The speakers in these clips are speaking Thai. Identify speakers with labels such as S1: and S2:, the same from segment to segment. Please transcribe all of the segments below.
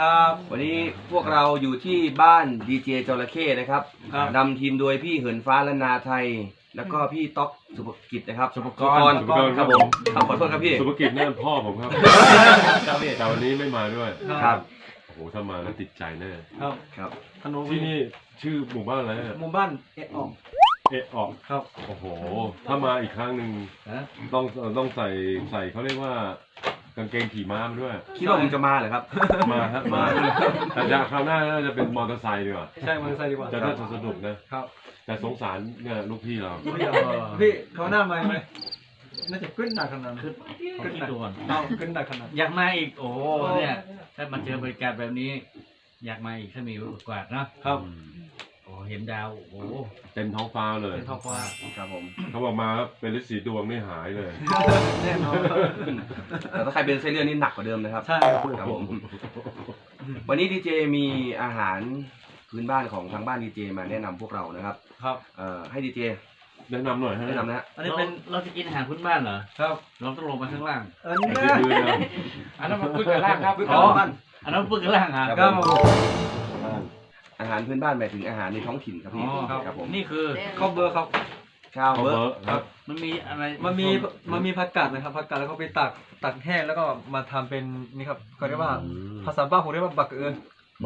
S1: ครับวันนี้พวกเราอยู่ที่บ้านดีเจจระเข้นะครับนำทีมโดยพี่เหินฟ้าและนาไทยแล้วก็พี่ต๊อกสุภกิจนะครับสุภกรครับผมขอโทษครับพี่
S2: สุภกิจนั่นพ่อผมครับแต่วันนี้ไม่มาด้วย
S1: ครับ
S2: โอ้โหถ้ามาแล้วติดใจแน่
S1: ครับ
S2: ที่นี่ชื่อหมู่บ้านอะไร
S3: หมู่บ้านเอะ
S2: ออกครับโอ้โหถ้ามาอีกครั้งหนึ่งต้องใส่เขาเรียกว่ากางเกงขี่ม้ามาด้วย
S1: คิดว่าผมจะมาเหรอครับ
S2: มาครับมาแต่จะคราวหน้าน่าจะเป็นมอเตอร์ไซค์ดีกว่า
S3: ใช่มอเตอร์ไซค์ดีกว่า
S2: จะน่าจะสนุกนะครับแต่สงสารเนี่ยลูกพี่เรา
S3: พี่เขาหน้าไหมน่าจะขึ้นหนักขนาดขึ้นหนักขึ้นหนักขนาด
S4: อยากมาอีกโอ้เนี่ยถ้ามาเจอบริการแบบนี้อยากมาอีกถ้ามีโอกาสนะครับโอ้เห็นดาวโอ้
S2: เต็มท้องฟ้าเลย
S3: เต็มท้องฟ้า
S1: ครับผม
S2: เขาบอกมาเป็นฤทธิ์สีดวงไม่หายเลย
S3: แน่นอน
S1: แต่ถ้าใครเป็นไส้เลื่อนนี่หนักกว่าเดิมนะครับ
S3: ใช่
S1: ครับผมวันนี้ดีเจมีอาหารพื้นบ้านของทางบ้านดีเจมาแนะนำพวกเรานะครับ
S3: ครับ
S1: ให้ดีเจ
S2: แนะนำหน่อย
S1: แนะนำนะ
S4: อันนี้เป็นเราจะกินอาหารพื้นบ้านเหรอ
S3: ครับ
S4: เราต้องลงมาข้างล่าง
S3: อันนั้นมาพูดกันล่างครับ
S4: อ๋ออันนั้นพูดกันล่าง
S3: ครับ
S1: อาหารพื้นบ้านหมายถึงอาหารในท้องถิ่นครับพี่ครับผม
S4: นี่คือ
S3: ข้าวเบอร์ครับ
S1: ข้าวเบอร์
S3: ครับ
S4: มันมีอะไร
S3: มันมีผักกาดนะครับผักกาดแล้วก็ไปตักแห้งแล้วก็มาทำเป็นนี่ครับเขาเรียกว่าภาษาบ้านผมเรียกว่าบักเอิญ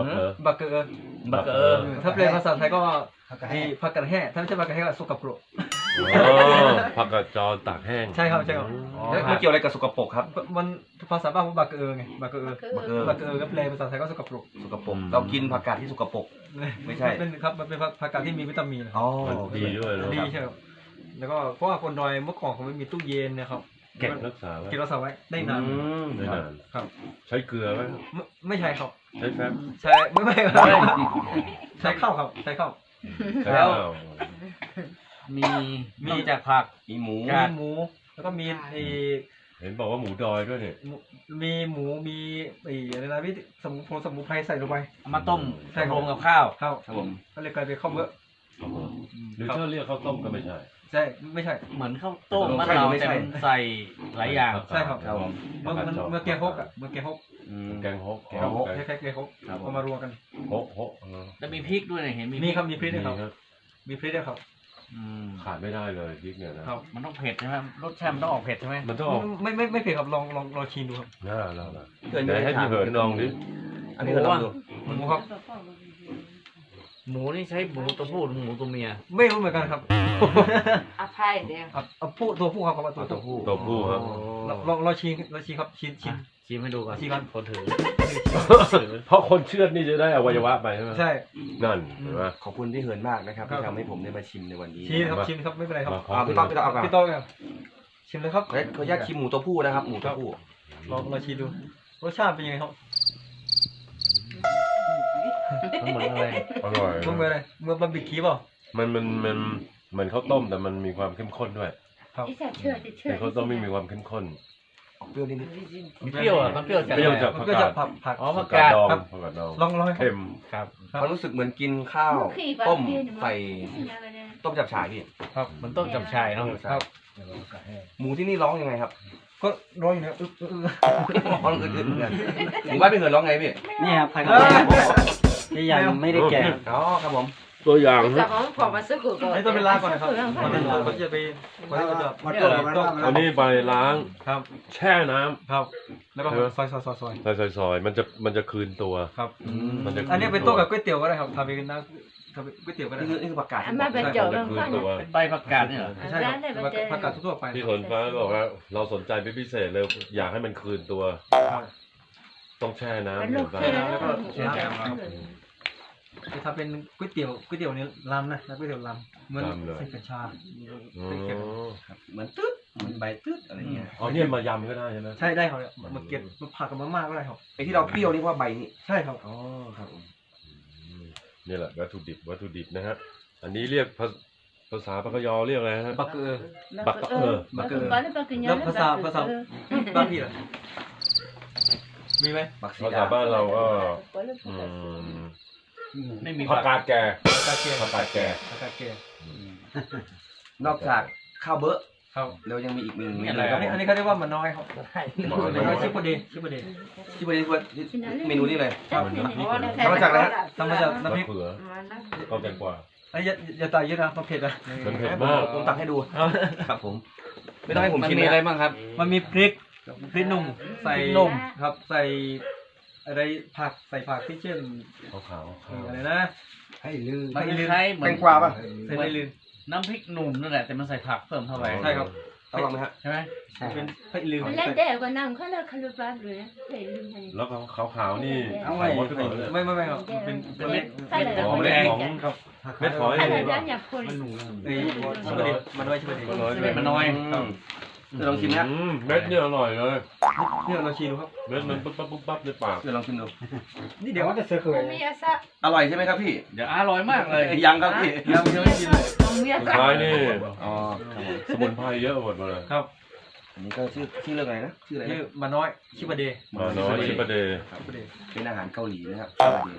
S3: ถ้าเป็นภาษาไทยก็มีผักกาดแห้งถ้าไม่ใช่ผักกาดแห้งก็สุกปรก
S2: ผักกาดจอตากแห้ง
S3: ใช่ครับใช่ครับ
S1: มันเกี่ยวอะไรกับสกปรกครับ
S3: มันภาษาบ้านผมบักเอิญไงบักเอิญก็แปลภาษาไทยก็สกปรก
S1: เรากินผักกาดที่สกปรกไม่ใช่
S3: เป็นครับมันเป็นผักกาดที่มีวิตามิน
S1: อ๋อ
S2: ดีด้วย
S3: ดีใช่ครับแล้วก็เพราะว่าคนดอยเมื่อก่อนเขาไม่มีตู้เย็นนะครับ
S2: เก็บรักษา
S3: ไว้ได้นาน
S2: ครับใช้เกลือไหม
S3: ไม่ใช่ครับ
S2: ใช้แฟบ
S3: ใช่ไม่ใช้ข้าวครับใช้ข้าว
S4: แล้วมีจากผัก
S1: มีหมู
S3: แล้วก็มี
S2: เห็นบอกว่าหมูดอยด้วยเนี่ย
S3: มีหมูมีอะไรนะพี่สมุนไพรใส่ลงไป
S4: มาต้มใส่รวมกับข้าว
S3: ครับผมก็เลยกลายเป็นข้าวเบอร์
S2: หรือถ้าเรียกข้าวต้มก็ไม่ใช่
S3: ไม่ใช่
S4: เหมือนข้าวต้มมันเราจะใส่หลายอย่าง
S3: ใช่ครับเมื่อแกงฮก
S2: แกงฮก
S3: คล้ายๆแกงฮกเอามารวมกัน
S2: ฮก
S4: จะมีพริกด้วยเห็น
S3: มีครับมีพริกด้วยครับมีพริกด้วยครับ
S2: ขาดไม่ได้เลยพริกเนี่ยนะครับ
S4: มันต้องเผ็ดใช่ไหมรสชาติมันต้องออกเผ็ดใช่ไหม
S2: มันต้อง
S3: ไม่เผ็ดครับลองชิมดูครับ
S2: เดี๋ยวให้พี่เหินลองดิ
S1: อันนี้เหินลองดู
S3: หมูครับ
S4: หมูนี่ใช้หมูตัวผู้หรือหมูตัวเมีย
S3: ไม่รู้เหมือนกันครับ
S5: อภัยเดียว
S3: ตัวผู้ครับ
S2: ตัวผู้ครับ
S3: เราชิมครับ
S4: ชิมให้ดูก่อน
S3: ชิมกัน
S4: คนถือ
S2: เพราะคนเชื่อดนี่จะได้อวัยวะไปใช่ไหม
S3: ใช่
S2: นั่นเห็นไหม
S1: ขอบคุณพี่เหินมากนะครับที่ทำให้ผมได้มาชิมในวันนี้
S3: ชิมครับไม่เป็นไรครับ
S1: พี่ต้องเอา
S3: พี่ต้องชิมเลยครับ
S1: เขาอยากชิมหมูตัวผู้นะครับหมูตัวผู้
S3: เราชิมดูรสชาติเป็นยังไงครับ
S4: มันเหมือนอะไร
S2: อร่อย
S3: มันเหมือนอะไรเมื่อบาร์บีคิวเปล่า
S2: มันเหมือนข้าวต้มแต่มันมีความเข้มข้นด้วย
S3: ครับ
S2: แต่ข้าวต้มไม่มีความเข้มข้น
S1: เปรี้ยวนิด
S4: มีเปรี้ยวอ่ะมันเปรี้ยว
S2: จาก
S3: ผัก
S4: อ๋อผักกาด
S3: ลอง
S2: เค็ม
S3: ครับ
S1: มันรู้สึกเหมือนกินข้าวต้มใส่ต้มจับฉ่ายพี่
S3: ครับ
S4: มันต้มจับฉ่ายเนาะ
S3: ครับ
S1: หมูที่นี่ร้องยังไงครับ
S3: ก็ร้องอยู่เนี่ย
S1: ร้องอึดๆเหมือนกันหมูบ้านพี่เหินร้องไงพี่
S4: นี่ครับภายในที่ยังไม่ได้แกะ
S1: อ๋อครับผม
S2: ตัวอย่าง
S5: จะของผมมาซื้อกูก่อน
S3: ให้ต้องไปล้างก่อนนะครับเขาจะไป
S2: อันนี้ไปล้าง
S3: ครับ
S2: แช่น้ำ
S3: ครับแล้วก็ซอย
S2: มันจะคืนตัว
S3: ครับอันนี้เป็นโต๊ะกับก๋วยเตี๋ยวก็ได้ครับทำเป็นน้ำก๋วยเตี๋ยวก็ได้
S1: นี่คือผักกาด
S5: มาเป็นเจ้าเป็น
S4: ใบผักกาดเนี่ย
S3: ใช่ผักกาดทั่วไป
S2: ที่คนฟ้าบอกว่าเราสนใจเป็นพิเศษเลยอยากให้มันคืนตัวต้องแช่น้ำ
S3: แล้วก็แช่น้ำจะทำเป็นก๋วยเตี๋ยวนี้ลำนะก๋วยเตี๋ยวลำเหมือนใส่กระชาก
S1: เหมือนตึ๊ดเหมือนใบตึ๊ดอะไรเงี้ย
S2: อ๋อเนี่ยมายำก็ได้ใช่ไหม
S3: ใช่ได้ครับมาเก็บมาผักกับมะม่าก็ได้ครับ
S1: ไอ้ที่เราเปรี้ยวนี่ว่าใบนี่
S3: ใช่ครับ
S1: อ๋อครับ
S2: นี่แหละวัตถุดิบนะฮะอันนี้เรียกภาษาปากกยอเรียกอะไรฮะ
S3: บักเกอร์
S2: แล้วภาษา
S3: บ้านพี่ล่ะมีไหม
S2: ภาษาบ้านเราก็
S4: ไม่มี
S2: ผักกาดแก่
S3: ผักกาดแก่
S1: นอกจากข้าวเบอร์
S3: ครับ
S1: แล้วยังมีอีกหนึ่งเม
S4: นี่
S1: นู
S4: อะไร
S1: ครับ
S3: อันนี้เขาเรียกว่ามันน้อยครับ
S2: มันน้อย
S3: ชิปโปเดชิปโปเด
S1: ที่วันนี้เมนูนี้เลย
S3: ครับ
S1: ทำมาจากอะไรฮะ
S3: ทำมาจาก
S2: มะ
S3: น้ำพริก
S2: เขือก็แตงกวา
S3: อันนี้อย่าตายเยอะนะมันเผ็ดนะ
S2: มันเผ็ดมาก
S1: ผมตักให้ดูครับผม ไม่ต้องให้ผม
S4: มัน
S1: ชิม
S4: มี
S1: นะ
S4: อะไรบ้างครับ
S3: มันมีพริกหนุ่มใส่นมครับ ใส่อะไรผักใส่ผักที่เช่น
S2: ขาวๆ
S3: อะไรนะ
S1: ให้ลืม
S4: มันคล้ายๆเหมื
S1: แต
S4: อน
S1: งกวาป่ะ
S3: ใส่ไม่ลืม
S4: น้ำพริกหนุ่มนั่นแหละแต่มันใส่ผักเพิ่มเข้าไป
S3: ใช่ครับ
S1: ต้องลองไหมฮะ
S4: ใช่ไหม
S3: เป็นไม่ลืม
S5: เล่นเด็กกว่านั่งเขาเลยคารุบาเลยเห็นลืมให้
S2: แล้วก็ขาวๆนี่
S5: เอาไว้
S2: ไข่มดขึ้นมาเลย
S3: ไม่ครับเป็น
S5: เม็ดใส่เลย
S2: อ๋อเม็ดของ
S3: ครับ
S2: เม็ดหอย
S5: ใส่
S2: นี่
S5: เลยด้านอยากคน
S3: ไอ้ชิปโปเดมันน้อยชิปโปเด
S2: มันน้อยเลย
S4: มันน้อย
S1: จะลองชิมนะ
S2: เม็ดเนี่ยอร่อยเลย
S3: เนี่ยเราชิมดูครับ
S2: เม็ดมันปุ๊บปั๊บปุ๊บปั๊บในปาก
S1: จะลองชิมดู
S3: นี่เดี๋ยวจะเสือเคย
S5: มีอาซะ
S1: อร่อยใช่ไหมครับพี่
S4: เดี๋ยวอร่อยมากเลย
S1: ยังครับพี่
S3: ยังไม่ชิมเลย
S5: มีอาซะ
S2: ท้ายนี่
S1: อ๋อ
S2: สมุนไพรเยอะหมดเลย
S3: ครับ
S1: อันนี้ก็ชื่อเรื่องอะไรนะชื่ออะไร
S3: ชื่อ
S1: นะ
S3: มันน้อยชิปโปเด
S2: มาน้อยชิปาเดย์
S3: ชิปโปเด
S1: เป็นอาหารเกาหลีนะครับ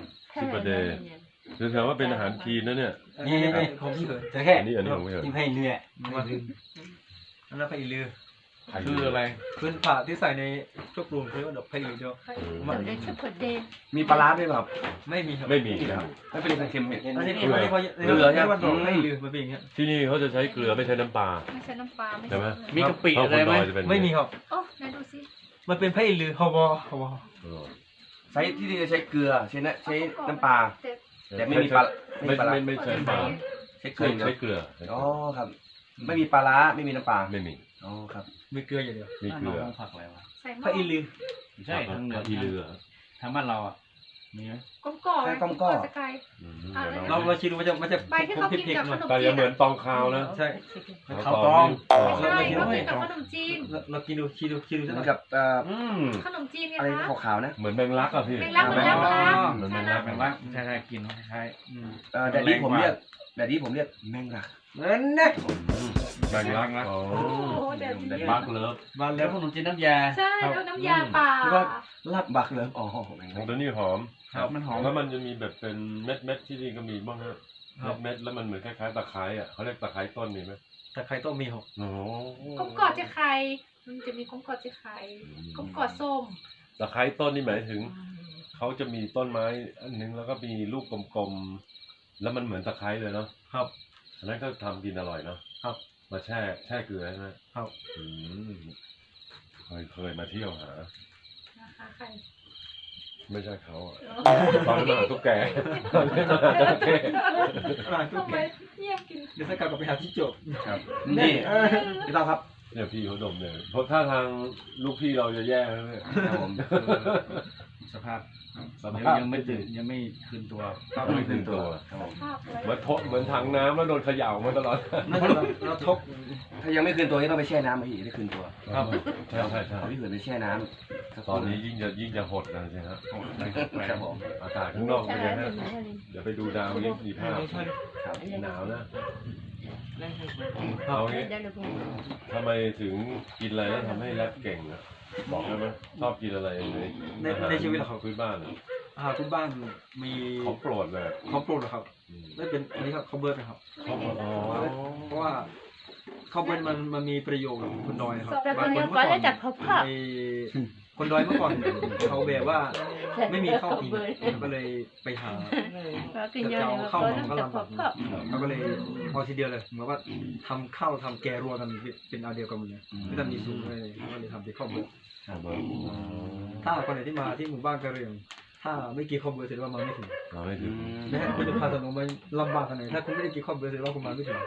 S2: คือแสดงว่าเป็นอาหารจีนนะเนี่ย
S3: นี่ของพี่เคย
S6: จะแค่
S2: อันนี้ของไม่เหรอ
S6: กินให้เรื่อย
S3: มาอันนั้นไผ่ลือ
S4: คืออะไร
S3: พื้นผ่าที่ใส่ในชุบปรุงเขาเรียกว่าดอกไผ่ลือเดียว
S5: มันได้ชุดคนเดน
S1: มีปลาร้าด้วยเปล่าครับ
S3: ไม่มีครับ
S2: ไม่มีครับ
S1: ไม่เป็นเค็มๆเนี่ย
S3: อันนี้เขาเรียกว่า
S1: เกลือใช่ไหม
S3: ดอกไผ่ลือมันเป็นอย่างเงี้ย
S2: ที่นี่เขาจะใช้เกลือไม่ใช้น้ำปลา
S5: ไม่ใช่น้ำปลา
S2: ใช่ไหม
S4: มีกะปิอะไรไหม
S2: เพาคนดยจะเป็น
S3: ไม่มีครับ
S5: โอ้ไหนดูสิ
S3: มันเป็นไผ่ลือฮาว
S2: เออ
S1: ใช้ที่นี่จะใช้เกลือใช้น้ำปลา แต่ไม่มีปลา
S2: ไม่ใช้ปลา
S1: ใช้เกลือ
S2: ใช้เกลือ
S1: อ๋อครับ ไม่มีปลาร้าไม่มีน้ำปลา
S2: ไม่มี
S1: อ๋อครับ
S3: มีเกลืออย่างเดียว
S2: มีเกลือ
S4: ผักอะไรวะ
S5: ใส่หม้
S3: ไผ่ลือ
S4: ไม่ใช่ทางเหนือ
S2: ที่เรือ
S4: ทางบ้านเราอ่ะมีไหม
S5: ก้มก่อสกาย
S3: เราชิมดูมันจะ
S5: ใบที่เขากินกับขนม
S2: แต่
S5: จี
S2: อย่าน เหมือนตองคาวนะ
S3: ใช่
S4: ข้าวตอง
S5: ใช่เขากินกับขนมจีน
S3: เรากินดูชิมดู
S1: เห
S3: สัก
S1: มื
S3: ห
S1: อ
S3: น่อน ย
S1: กับ
S5: ขนมจีนไง
S1: อะไร
S5: คะ
S1: ขาวๆนะ
S2: เหมือนแมงลักอะพี่
S5: แมงลัก
S2: เหมือนแมงลัก
S4: แมงลักใช่ใช่กินใช่
S1: แดดดี้ผมเรียกแมงลัก
S3: นั่นนะ
S2: แมงลักอ๋อ
S5: โอ้โหเดี๋ยว
S2: แมงลักเลิฟ
S3: มา
S4: แล้
S3: แล้ว ว
S4: ขนมจีนน้ำยา
S5: ใช่แล้วน้ำยาป่า
S3: แล้วก็
S1: ลาบบักเลยอ๋อแมง
S2: ข
S1: ลั
S2: อง
S1: ก
S2: ตัวนี้หอม
S4: ครับมันหอม
S2: แล้วมันจะมีแบบเป็นเม็ดที่นี่ก็มีบ้างฮะเม็ดแล้วมันเหมือนคล้ายๆตะไคร้อ่ะเขาเรียกตะไคร้ต้นมีไหม
S3: แต่ใครต้องมีหก
S2: โอ้โห
S5: ก้มกอดจะไข่มันจะมีก้มกอดจะไข่ก้มกอดส้ม
S2: ตะไคร้ต้นนี่หมายถึงเขาจะมีต้นไม้อันนึงแล้วก็มีลูกกลมๆแล้วมันเหมือนตะไคร้เลยเนาะ
S3: ครับ
S2: อันนั้นก็ทำกินอร่อยเนาะ
S3: ครับ
S2: มาแช่เกลือใช่ไหม
S3: ครับ
S2: อืมเคยมาเที่ยวหา
S5: นะคะไข่
S2: ไม่ใช่เขาอะตอนนั้นมาหาตุ๊กแกตอนนี้มาหาจระเข้
S5: ทำไมเงียบกิน
S3: เดี๋ยวถ้ากลับไปหาที่จบ
S1: ครับนี่พี่ต้องครับ
S2: เนี่ยพี่เขาดมเลยเพราะถ้าทางลูกพี่เราจะแย่แล้วเนี่ย
S1: ครับผม
S4: สภาพ
S2: สภาพ
S4: ยังไม่ตื่นยังไม่คืนตัว
S2: ไม่ถึงตัว
S1: ครับผม
S5: ภาพไว้
S2: เหมือนถังน้ำแล้วโดนเขย่ามาตลอด
S3: นั่นเราทก
S1: ถ้ายังไม่คืนตัวก็ต้องไปแช่น้ำพี่ได้คืนตัว
S3: ครับ
S2: ใช่ใช่
S1: เอาพี่เหินไปแช่น้ำ
S2: ตอนนี้ยิ่งจะหดนะใช่ไหมครับ
S1: ครับผม
S2: อากาศข้างนอกเป็นยังไงฮะเดี๋ยวไปดูดาวยี่สี่ภาพ
S1: ครับ
S2: หนาวนะ
S5: ได้
S2: เอางี้
S5: ได้เลย
S2: ทำไมถึงกินอะไรแล้วทำให้แรปเก่งอะบอกได้ไหมชอบกินอะไร
S3: ในชีวิตเหรอครับ
S2: พื้นบ้านอะ
S3: อาหารพื้นบ้านมี
S2: ของโปรดเลย
S3: ของโปรดเหรอครับได้เป็นอันนี้ครับข้าวเบิร์ดนะครับ
S2: อ๋อ
S3: เพราะว่าข้าวเบิร์ดมันมีประโยชน์คนดอยนะครับ
S5: แต่ต
S3: บา
S5: อง น
S3: ค
S5: นี้
S3: น
S5: ก็
S3: เมื่อก่อ
S5: ได้
S3: น
S5: จัดพบภาพ
S3: ไอ้คนดอยเมื่อก่อนเขาแบบว่าไม่มีข้าวกินก็เลยไปหา
S5: กินเยอะเลยก็ต้องจัดพบภาพ
S3: เราก็เลยเอาทีเดียวเลยเหมือนว่าทำข้าวทำแกงรวมกันเป็นเอาเดียวกันหมดเลยไม่ต้องมีสูตรเลยก็เลยทำเป็นข้าวเบิร์ด
S2: ครับผม
S3: ถ้าคนไหนที่มาที่หมู่บ้านกะเหรี่ยงถ้าไม่กินข้าวเบิร์ดแสดงว่ามาไม่ถึง
S2: เราไม่ถึง
S3: นะฮะคุณจะพาถนนมาลำบากขนาดไหนถ้าคุณไม่ได้กินข้าวเบิร์ดแสดงว่าคุณมาไม่ถึง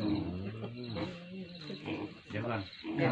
S4: เดี๋ยวก่อน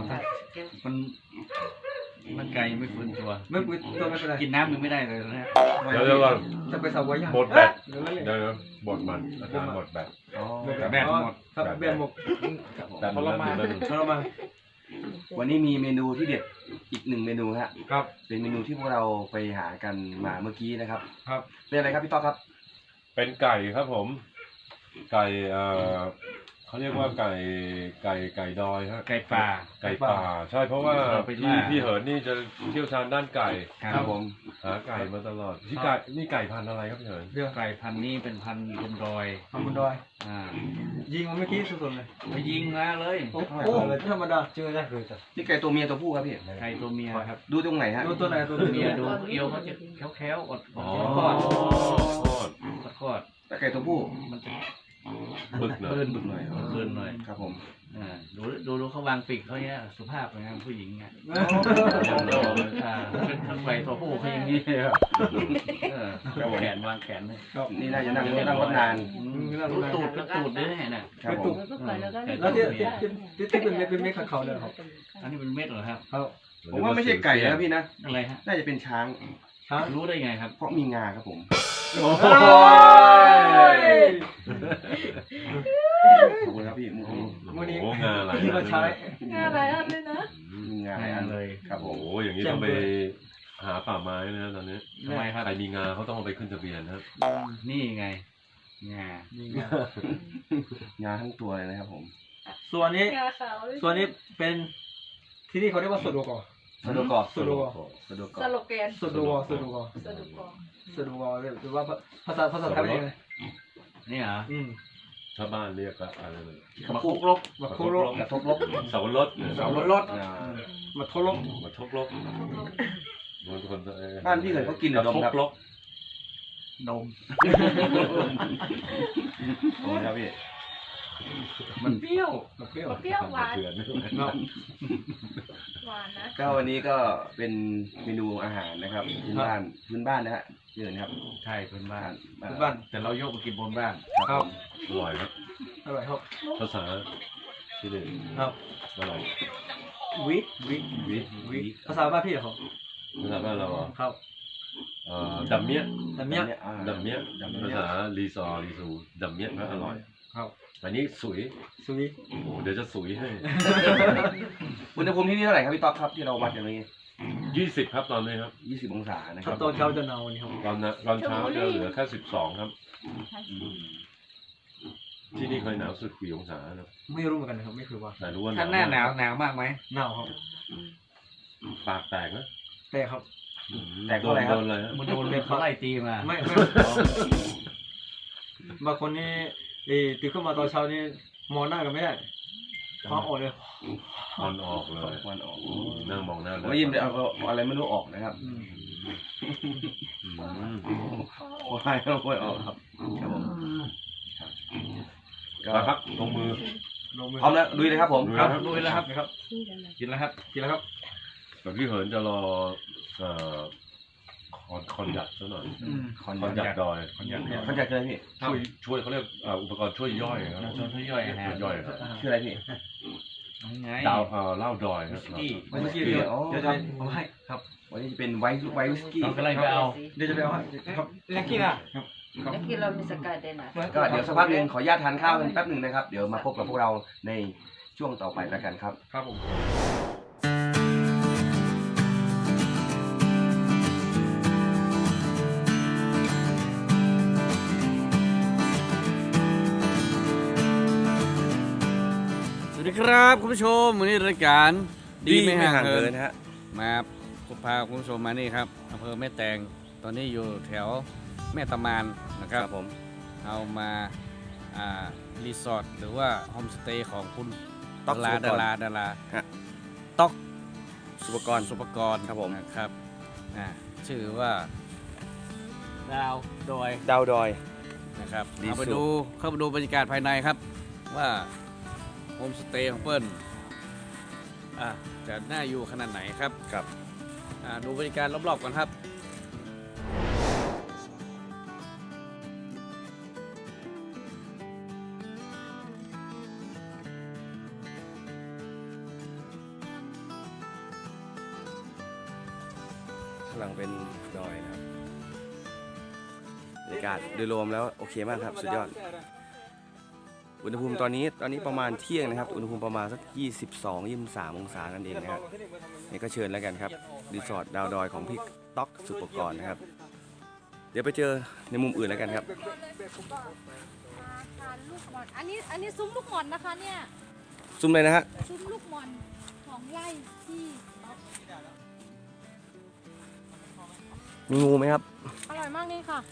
S4: มันไกลยังไม่ฟื้นตัว
S3: ไม่ตัวไม่เป็นไร
S4: กินน้ำยังไม่ได้เลยนะฮะ
S2: เดี๋ยวก่อน
S3: จะไปสาวายา
S2: หมดแบต
S3: เดี๋ยวเลย
S2: เดี๋ยวบดมันอาจารย์หมดแบต
S1: อ๋อ
S3: แบนหมดครับแบนหมด
S2: แต่มันเริ่ม
S3: ทรมาน
S1: วันนี้มีเมนูที่เด็ดอีกหนึ่งเมนูฮะ
S3: ครับ
S1: เป็นเมนูที่พวกเราไปหากันมาเมื่อกี้นะครับ
S3: ครับ
S1: เป็นอะไรครับพี่ต้อครับ
S2: เป็นไก่ครับผม ไก่เขาเขาเรียกว่าไก่ดอยฮะ
S4: ไก่ป่า
S2: ไก่ป่าใช่เพราะว่า
S4: เราไปล่า
S2: พี่เหินนี่จะเชี่ยวชาญด้านไก่
S1: ครับผม
S2: หาไก่มาตลอดที่ไก่นี่ไก่พันธุ์อะไรครับพี่เหิน
S3: เรื่อง
S4: ไก่พันธุ์นี้เป็นพันธุ์บนดอย
S3: ทำบนดอย
S4: อ่า
S3: ยิงมันเมื่อกี้สุดๆเลย
S4: ไปยิงมาเลย
S3: โอ้โหธรรมดาเจอได้เลยจ้ะ
S1: นี่ไก่ตัวเมียตัวผู้ครับพี่
S4: ไก่ตัวเมียครับ
S1: ดูตรงไหนฮะ
S3: ดูตัวไหนตัว
S4: ตัว
S3: เมี
S4: เมี
S3: ย
S4: ยดูเอวเขาจะแข็งๆอด
S2: อ๋อ
S4: คลอด
S2: ทอด
S4: คลอด
S1: แต่ไก่ตัวผู้
S4: มันจะ
S2: บึกเนอะ
S1: เลื่อนบึกหน่อย
S4: เกินหน่อย
S1: ครับผม
S4: อ่าดูเขาวางปีกเขาเนี่ยสุภาพเลยนะผู้หญิงเนี่ย อ่าเป็นทางไหวตัวผู้เขาอย่างนี้ครับแขนวางแขนเลย
S1: นี่น่าจะนั่งรถนาน
S4: รู้ตูดด้วยน่ะ
S1: ครับผม
S3: แล้วที่เป็นเม็ดเขาเลยครับ
S4: อันนี้เป็นเม็ดเหรอครับ
S3: ครับ
S1: ผมว่าไม่ใช่ไก่นะพี่นะ
S4: อะไรฮะ
S1: น่าจะเป็นช้าง
S3: ช้าง
S4: รู้ได้ไงครับ
S1: เพราะมีงาครับผม
S3: โอ้ย
S1: ขอบคุณครับพี่มุกนี้
S3: วันนี้
S2: โอ้งาอะไร
S3: ที่มาใช้
S5: งานอะไรอันเลยนะ
S1: มีงาหลายอัน
S4: เลย
S1: ครับผ
S2: โอ้
S1: ม
S2: โหอย่างนี้ต้องไปหาป่าไม้นะตอนนี้
S4: ทำไมครับ
S2: ใครมีงาเขาต้องเอาไปขึ้นทะเบียนนะครับ
S4: นี่ไงงา
S3: นี่ไง
S1: งาทั้งตัวเลยนะครับผม
S3: ส่วนนี้
S5: งาขาวเลย
S3: ส่วนนี้เป็นที่นี่เขาเรียกว่าสุดโดกอ
S1: สะดวกก่อน
S3: สุดโดกอ
S1: สะดวก
S5: ส
S1: ก่อน
S5: โลแกน
S3: สุดโดกอสุดโดกอ
S5: สะดุกกอง
S3: สุดโดกอหรือว่าภาษาไทยเป็นยังไง
S4: นี่เหรอ
S2: ถ้าบ้านเรียกก็อะไรเลย
S4: มาคุกลบ
S3: มาโคโร
S1: กระทบลบ
S2: เสาวรสเนี่ย
S3: สาวรถ
S1: อ่า
S3: มาโทโร
S2: มาทกลบมันคน
S1: บ้านพี่เคยเขากินหรือดมครับ
S2: ทกลบ
S4: นม
S1: โอ้ครับพี่
S4: มันเปรี้ยว
S3: มาเปรี้ยว
S5: เปรี้ยวหวาน
S2: เถื่อน
S3: เนาะ
S5: หวานนะ
S1: ก็วันนี้ก็เป็นเมนูอาหารนะครับพื้นบ้านนะฮะเยินครับ
S4: ใช่เป็นบ้าน
S3: บ้าน
S4: แต่เรายกมากินบนบ้าน
S3: ครับ
S2: อร่อยครับ
S3: อร่อยครับ
S2: ภาษาที่นี่
S3: ครับ
S2: อร่อย
S3: วิวิ
S2: วิ
S3: วิภาษาบ้านพี่เหรอครับ
S2: ภาษาบ้านเราอ่ะ
S3: ครับ
S2: ดัมเมีย
S3: แต่เนี้ย
S2: ดัมเมียภาษารีซอรีซูดัมเมียก็อร่อย
S3: ครับ
S2: อันนี้สุย
S3: สุวิ
S2: โอ้เดี๋ยวจะสุยให้
S1: อุณหภูมิที่นี่เท่าไหร่ครับพี่ต๊อกครับที่เราวัดอย่างนี้
S2: 20ครับตอนนี้ครับ
S1: 20 องศานะค
S3: ถ้า
S1: รับ
S3: ตอนเช้าจะหนาวนี่ครับ
S2: ตอนเช้าจะเหลือแค่12ครับ ที่นี่เคยหนาวสุดกี่องศาครับ
S3: ไม่รู้เหมือนกันนะครับไม่เคยว่า
S2: แต่รู้ว่า
S4: ถ้าหน้าหนาวหนาวมากไหม
S3: หนาวครับ
S2: ปากแตกนะ
S3: แต่ครับ
S1: แต่ก็อะไรครับ
S2: โดนเลยฮะ
S4: มันโดนเขาไล่ตีมา
S3: ไม่บางคนนี่ตื่นขึ้นมาตอนเช้านี่มองหน้ากันไม่ได้ท้องออกเลย
S2: มันออกเลย
S1: ควันออก
S2: นั่งมองหน้า
S1: ไม่ยิ้มเลยเอาอะไรไม่รู้ออกนะครับ
S2: อืม
S1: โอ้ยโอ้ยออกครับครับผมก็
S2: มาครับลงมือ
S3: ลงมือ
S1: พร้อมแล้วลุยเลยครับผม
S2: ลุย
S3: ครับ
S2: ครับ
S3: ลุยแล้วครับครับ
S4: กินแล้วครับ
S3: กินแล้วครับ
S2: แต่พี่เหินจะรอคอนยัดซะหน่อย
S1: คอน
S2: คอนยัดดอย
S4: คอนยัด
S1: คอนยัดคืออะไรพี่
S2: ช่วยเขาเรียกอุปกรณ์ช่วยย่อยครับ
S4: ชวนเขาย่อยอาหาร
S2: ย่อยครับ
S1: คืออะไรพี่
S4: ไง
S2: ดาวเหล้าดอยครับ
S4: ที่
S3: เมื่อกี้เดี๋ยวจะเอาให้ครับ
S1: วันนี้จะเป็นไวท์วิสกี้
S4: เรากำลังไปเอา
S3: เดี๋ยวจะไปเอาให้ครับเล็กกี้นะ
S6: Aquí lo mismo acá de nada.
S1: ก็เดี๋ยวสักพักหนึ่งขออนุญาตทานข้าวกันแป๊บหนึ่งนะครับ เดี๋ยวมาพบกับพวกเราในช่วงต่อไปแล้วกันครับ
S3: ครับผม
S4: สวัสดีครับคุณผู้ชมวันนี้รายการดีไม่ห่างเหิน
S1: นะฮะ
S4: มาพาคุณผู้ชมมานี่ครับอำเภอแม่แตงตอนนี้อยู่แถวแม่ตะมานนะครับ
S1: ผม
S4: เอามารีสอร์ทหรือว่าโฮมสเตย์ของคุณ
S1: ต๊อก
S4: ดา
S1: สุปกร
S4: รา
S1: ฮะ
S4: ต๊อก
S1: สุปกรณ์
S4: สุปกรณ์
S1: ครับผม
S4: นะครับชื่อว่าดาวดอย
S1: ดาวดอย
S4: นะครับ
S1: ดี
S4: เอาไป
S1: สุด
S4: ดูเข้าไปดูบรรยากาศภายในครับ ว่าโฮมสเตย์ของเปิ้ลจะน่าอยู่ขนาดไหนครับ
S1: ครับ
S4: ดูบรรยากาศรอบๆกันครับ
S1: ข้างหลังเป็นดอยนะครับบรรยากาศโดยรวมแล้วโอเคมากครับสุดยอด อุณหภูมิตอนนี้ประมาณเที่ยงนะครับ อุณหภูมิประมาณสัก22-23 องศานั่นเองนะครับนี่ก็เชิญแล้วกันครับรีสอร์ทดาวดอยของพี่ต๊อกสุปกรณ์นะครับ เดี๋ยวไปเจอในมุมอื่นแล้วกันครับ
S5: านลูกหม่อนอันนี้ซุ้มลูกหม่อนนะคะเนี่ย
S1: ซุ้มเลยนะฮะ
S5: ซุ้มลูกหม่อนของไร่ที่
S1: มีงูไหมครับ
S5: อร่อยมากนี่ค่ะ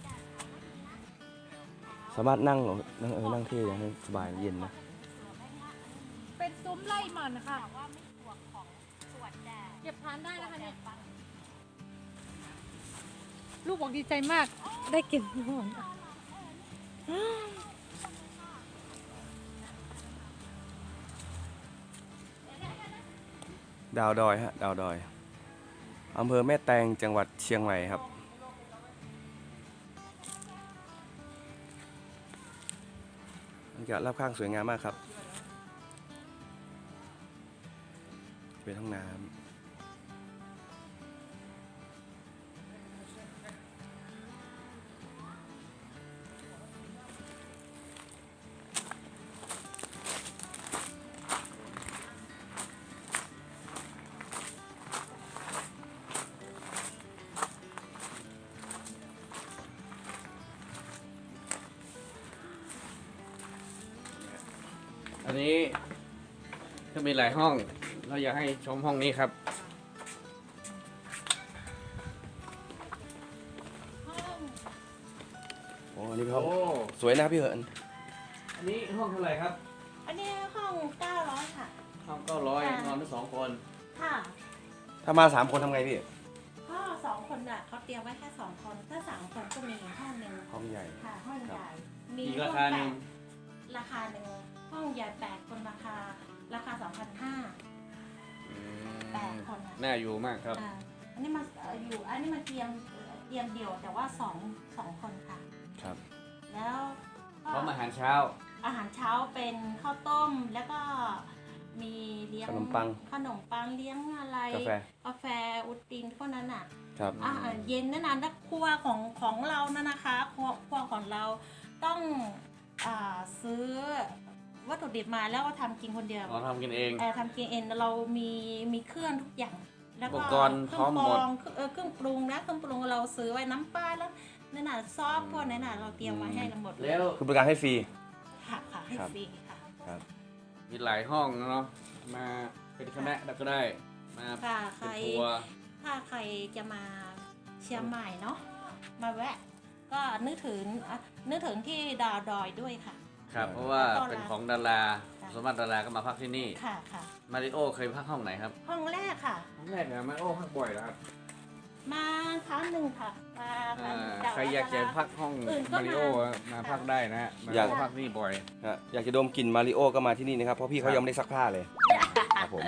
S1: สามารถนั่งเหรอนั่งเท่ยังให้สบายเย็นนะ
S5: เป็นซุ้มไร่หม่อนค่ะเก็บทานได้นะคะเนี่ยลูกบอกดีใจมากได้กินลูกหม่อน
S1: ดาวดอยฮะดาวดอยอำเภอแม่แตงจังหวัดเชียงใหม่ครับบรรยากาศรอบข้างสวยงามมากครับเป็นห้องน้ำ
S4: อันนี้ก็มีหลายห้อง เราอยากให้ชมห้องนี้ครับ
S1: โอ้อันนี้เป็นห้อง
S4: โอ้
S1: สวยนะครับพี่เหิน
S4: อันนี้ห้องเท่าไหร่ครับ
S6: อันนี้ห้อง900ค่ะ
S4: ห้อง900นอนทั้งสองคน
S6: ค่ะ
S1: ถ้ามา3 คนทำไงพี่
S6: ก็2 คนน่ะเขาเตรียมไว้แค่2 คน ถ้า3 คนก็มีห้องหนึ่ง
S1: ห้องใหญ่
S6: ค่ะห้องใหญ่
S4: อีกราคาหนึ่ง
S6: ราคาหนึ่งห้องใหญ่8 คนราคา2,500 8 คนค่ะ
S4: น่าอยู่มากครับ
S6: อันนี้มาอยู่อันนี้มาเตรียมเดี่ยวแต่ว่า2 คนค่ะ
S1: ครับ
S6: แล้วก็
S4: พร้อมอาหารเช้า
S6: อาหารเช้าเป็นข้าวต้มแล้วก็มีเลี้ยง
S1: ขนมปัง
S6: เลี้ยงอะไร
S1: กาแฟ
S6: อุดตินพวกนั้นอ่ะ
S1: ครับ
S6: อาหารเย็นนั่นนะครัวของเรานั่นนะคะครัวของเราต้องซื้อวัตถุดิบมาแล้วก็ทำกินคนเดียว
S4: เราทำกินเอง
S6: ทำกินเองเรามีเครื่องทุกอย่างแล้วก็
S4: อุปกรณ์พร้อมหมด
S6: เครื่องปรุงนะเครื่องปรุงเราซื้อไว้น้ำปลาแล้วนั่นน่ะซอสพวกนั้นน่ะเราเตรียมไว้ให้เราหมดเลย
S4: แล้ว
S1: คือบริการให้ฟรี
S6: ค่ะให้
S1: ครับ
S6: ฟรีค่ะ
S1: ครับ
S4: มีหลายห้องเนาะ มาเป็นคณะก็ได้ มา
S6: ค่ะใคร
S4: เป็นทัวร์
S6: ถ้าใครจะมาเชียงใหม่เนาะมาแวะ ก็นึกถึงที่ดาวดอยด้วยค่ะ
S4: ครับ เพราะว่า
S6: ต้อนรับ
S4: เป็นของดารา
S6: ค่ะ
S4: สมมติดาราก็มาพักที่นี่
S6: ค่ะค่ะ
S4: มาริโอเคยพักห้องไหนครับ
S6: ห้องแรกค่ะ
S4: ห้องแรกนะมาริโอพักบ่อยแล้วครับ
S6: มาครั้งหนึ่งค่ะมาครั้งหนึ่งแต่
S4: ใครอยากจะพักห้อง
S6: อื่นก็
S4: มาริโอมาพักได้นะฮะมาริ
S1: อยาก
S4: โอพักนี่บ่อย
S1: ฮะอยากจะดมกลิ่นมาริโอก็มาที่นี่นะครับ เพราะพี่เขายังไม่ได้ซักผ้าเลย ครับผม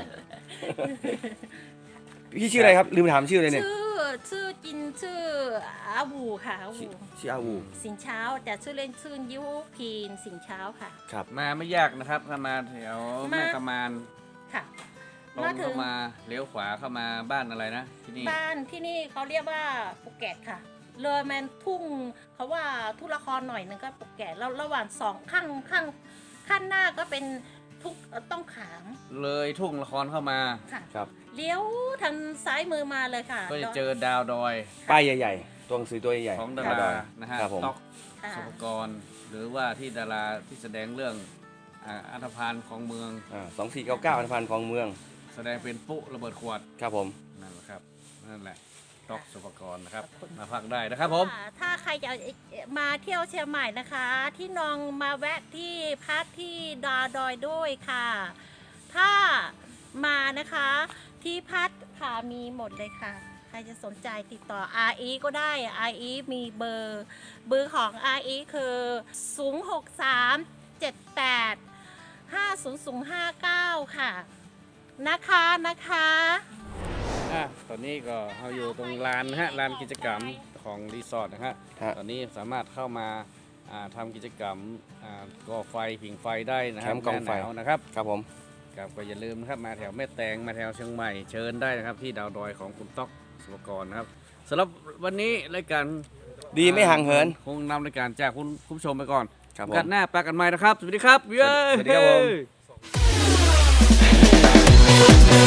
S1: พี่ชื่ออะไรครับ ลืมถามชื่อเลยเนี่ย
S6: ชื่ออาบูค่ะอาบู
S1: ชื่ออาวู
S6: สินเช้าแต่ชื่อเล่นชื่อยุพีนสินเช้าค่ะ
S1: ครับ
S4: มาไม่ยากนะครับ ถ้ามาแถวแม่กำมาน
S6: ค่ะ
S4: ตรง
S6: มาถึ
S4: เข้าง มาเลี้ยวขวาเข้ามาบ้านอะไรนะที่นี่
S6: บ้านที่นี่เขาเรียกว่าปุกแกตค่ะเลยแมนทุ่งเขาว่าทุ่งละครหน่อยนึงก็ปุกแกตแล้วระหว่าง2ข้างหน้าก็เป็นทุกต้องขาม
S4: เลยทุ่งละครเข้ามา
S6: ค่ะ
S1: ครับ
S6: เลี้ยวทางซ้ายมือมาเลยค่ะ
S4: ก็จะเจอดาวดอย
S1: ป้ายใหญ่ๆ ตัวหนังสือตัวใหญ่
S4: ของดา
S1: ดาวด
S4: รา
S1: อย
S4: นะฮะ
S1: ครับผม
S4: ต๊อก
S6: ค่ะ
S4: สุภกรหรือว่าที่ดาราที่แสดงเรื่องอัธพาลของเมือง
S1: 2499อันพันธ์ของเมือง
S4: แสดงเป็นปุ๊ระเบิดขวด
S1: ครับผม
S4: นั่นแหละครับนั่นแหละต๊อกสุภกรนะครับมาพักได้นะครับผม
S6: ถ้าใครจะมาเที่ยวเชียงใหม่นะคะ ที่นองมาแวะที่พักที่ดาวดอยด้วยค่ะ ถ้ามานะคะที่พักค่ะมีหมดเลยค่ะ ใครจะสนใจติดต่อ RE ก็ได้ RE มีเบอร์ของ RE คือ063785059ค่ะนะคะ
S4: ตอนนี้ก็เราอยู่ตรงลานนะฮะลานกิจกรรมของรีสอร์ทนะฮะ
S1: ฮะ
S4: ตอนนี้สามารถเข้ามาทำกิจกรรมก่อไฟผิงไฟได้นะครั
S1: แคมป์กองไฟ
S4: หน้าหนาวนะครับ
S1: ครับผม
S4: ครับก็อย่าลืมนะครับมาแถวแม่แตงมาแถวเชียงใหม่เชิญได้นะครับที่ดาวดอยของคุณต๊อกสุภกรนะครับสำหรับวันนี้รายการ
S1: ดีไม่ห่างเหิน
S4: คงนำรายการจากคุณผู้ชมไปก่อน
S1: ครับผ
S4: กั
S1: ม
S4: นหน้าปากันใหม่นะครับ สวัสดีครับ
S1: สวัสดีครับผม
S4: เย้